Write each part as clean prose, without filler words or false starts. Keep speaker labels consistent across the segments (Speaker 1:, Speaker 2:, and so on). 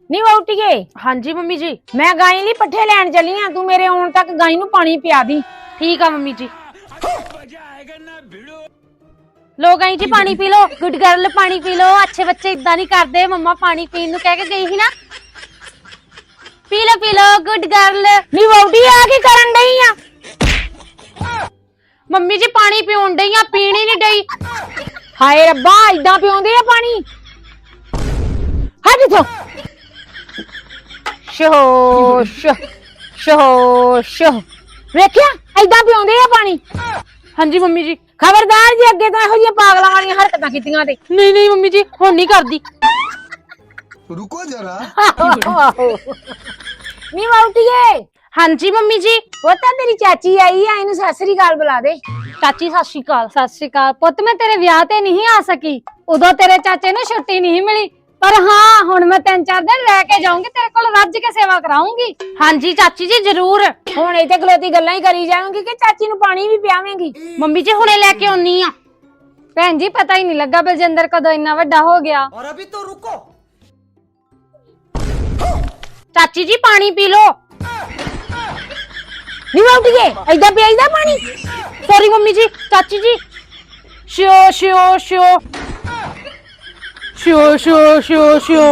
Speaker 1: ਨੀ ਵਹੁਟੀਏ।
Speaker 2: ਹਾਂਜੀ ਮੰਮੀ ਜੀ।
Speaker 1: ਮੈਂ ਗਾਈ ਲਈ ਪੱਠੇ ਲੈਣ ਚੱਲੀ ਆ, ਤੂੰ ਮੇਰੇ ਆਉਣ ਤੱਕ ਗਾਈ ਨੂੰ ਪਾਣੀ ਪਿਆ ਦੀ।
Speaker 2: ठीक है मम्मी जी। लो गई जी पानी पी लो। गुड गर्ल पानी पी लो। अच्छे बच्चे इदा नहीं करते। मम्मा पानी पीने नु कह के गई ही ना। पी लो गुड गर्ल।
Speaker 1: ਨੀ ਵਹੁਟੀ ਆ ਕੀ ਕਰਨ ਡਈ ਆ?
Speaker 2: मम्मी जी पानी पीउन डई आ, पीण ही नहीं डई।
Speaker 1: ਹਾਏ ਰੱਬਾ, ਇਦਾਂ ਪਿਉਂਦੇ ਆ ਪਾਣੀ? ਹਟ ਇਥੋਂ। ਸ਼ੋ ਵੇਖਿਆ, ਇਦਾਂ ਪਿਉਂਦੇ ਆ ਪਾਣੀ।
Speaker 2: हाँ जी मम्मी जी।
Speaker 1: ਖਬਰਦਾਰ ਜੀ, ਅੱਗੇ ਤੋਂ ਇਹੋ ਜਿਹੀਆਂ ਪਾਗਲਾਂ ਵਾਲੀਆਂ ਹਰਕਤਾਂ ਕੀਤੀਆਂ ਤੇ।
Speaker 2: नहीं नहीं मम्मी जी हुण नहीं करदी।
Speaker 3: रुको जरा।
Speaker 1: ਨੀ ਵਹੁਟੀਏ।
Speaker 2: हाँ जी मम्मी जी।
Speaker 1: ਉਹ ਤਾਂ ਤੇਰੀ ਚਾਚੀ ਆਈ ਆ, ਇਹਨੂੰ ਸਤਿ ਸ੍ਰੀ ਅਕਾਲ ਬੁਲਾ ਦੇ।
Speaker 2: चाची सत श्री अकाल। सत श्री अकाल पुत, मैं तेरे विआह ते नहीं आ सकी। उदों तेरे चाचे ने छुट्टी नहीं मिली, पर हाँ हुण मैं 3-4 दिन रह के जाऊंगी, तेरे कोल रज के सेवा कराऊंगी। हाँ जी चाची जी जरूर।
Speaker 1: ਹੁਣ ਇੱਥੇ ਖਲੋਤੀ ਗੱਲਾਂ ਹੀ ਕਰੀ ਜਾਵਾਂਗੀ ਕਿ ਚਾਚੀ ਨੂੰ ਪਾਣੀ ਵੀ ਪਿਆਵੇਂਗੀ?
Speaker 2: मम्मी जी हुणे लेके आउनी आ।
Speaker 4: ਭੈਣ ਜੀ ਪਤਾ ਹੀ ਨਹੀਂ ਲੱਗਾ ਬਲਜਿੰਦਰ ਕਦੋਂ ਇੰਨਾ ਵੱਡਾ ਹੋ ਗਿਆ।
Speaker 3: और अभी तो रुको।
Speaker 2: चाची जी पानी पी लो।
Speaker 1: ਨੀ ਵਹੁਟੀਏ, ਏਦਾਂ ਪਿਆਈਦਾ ਪਾਣੀ?
Speaker 2: सॉरी मम्मी जी। चाची जी शियो शियो शियो शियो शियो शियो शियो।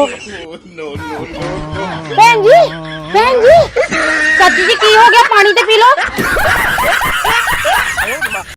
Speaker 1: ਭੈਣ ਜੀ, ਭੈਣ ਜੀ।
Speaker 2: चाची जी की हो गया? पानी तो पी लो।